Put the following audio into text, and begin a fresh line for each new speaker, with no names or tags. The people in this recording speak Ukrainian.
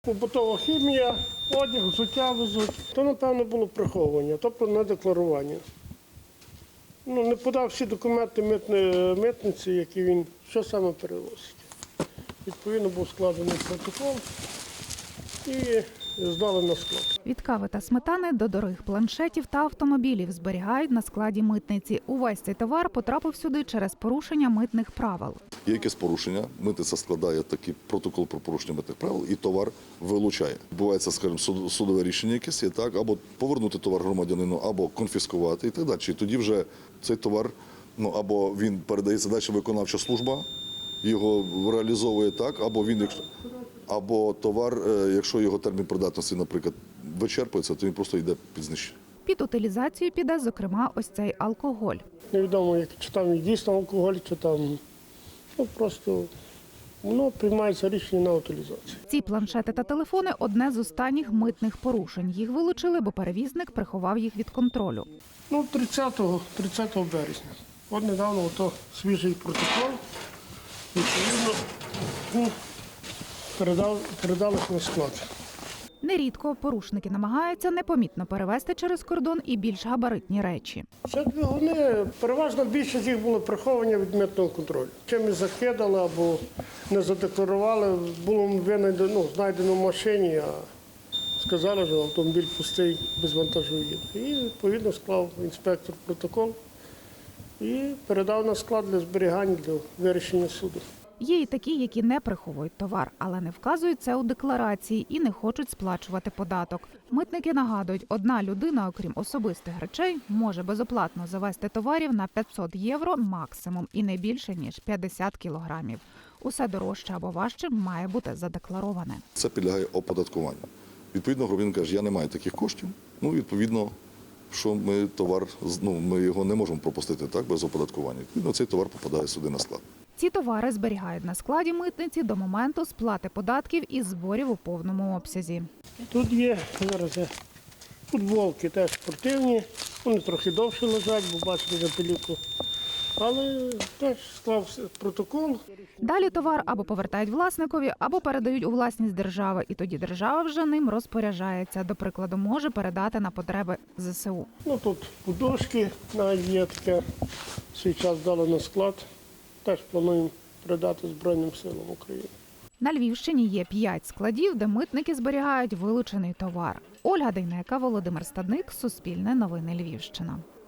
Побутова хімія, одяг, взуття везуть. То, напевно, було приховування, тобто не декларування. Не подав всі документи митниці, які він, що саме перевозить. Відповідно, був складений протокол і здали на склад.
Від кави та сметани до дорогих планшетів та автомобілів зберігають на складі митниці. Увесь цей товар потрапив сюди через порушення митних правил.
Є якесь порушення, митниця складає такий протокол про порушення митних правил і товар вилучає. Бувається, скажімо, судове рішення якесь є, так, або повернути товар громадянину, або конфіскувати і так далі. І тоді вже цей товар, або він передається далі виконавча служба, його реалізовує так, або товар, якщо його термін придатності, наприклад, вичерпується, то він просто йде під знищення.
Під утилізацію піде, зокрема, ось цей алкоголь.
Невідомо, чи там дійсно алкоголь, чи там просто приймається рішення на утилізацію.
Ці планшети та телефони – одне з останніх митних порушень. Їх вилучили, бо перевізник приховав їх від контролю.
30 березня. От недавно свіжий протокол, відповідно, передали на склад.
Нерідко порушники намагаються непомітно перевезти через кордон і більш габаритні речі.
Це двигуни, переважно більшість їх було приховані від митного контролю. Чимось закидали або не задекларували, було знайдено в машині, а сказали, що автомобіль пустий, без вантажу їде. І відповідно склав інспектор протокол і передав на склад для зберігання, для вирішення суду.
Є і такі, які не приховують товар, але не вказують це у декларації і не хочуть сплачувати податок. Митники нагадують, одна людина, окрім особистих речей, може безоплатно завезти товарів на 500 євро максимум і не більше, ніж 50 кілограмів. Усе дорожче або важче має бути задеклароване.
Це підлягає оподаткуванню. Відповідно, громадянин каже, я не маю таких коштів, відповідно, що ми його не можемо пропустити так, без оподаткування. Відповідно, цей товар попадає сюди на склад.
Ці товари зберігають на складі митниці до моменту сплати податків і зборів у повному обсязі.
Тут є зараз футболки теж спортивні, вони трохи довше лежать, бо бачите на пилюку. Але теж склав протокол.
Далі товар або повертають власникові, або передають у власність держави. І тоді держава вже ним розпоряджається. До прикладу, може передати на потреби ЗСУ.
Тут подушки навіть є таке, свій час дали на склад. Теж плануємо передати Збройним силам України.
На Львівщині є 5 складів, де митники зберігають вилучений товар. Ольга Дейнека, Володимир Стадник, Суспільне новини Львівщина.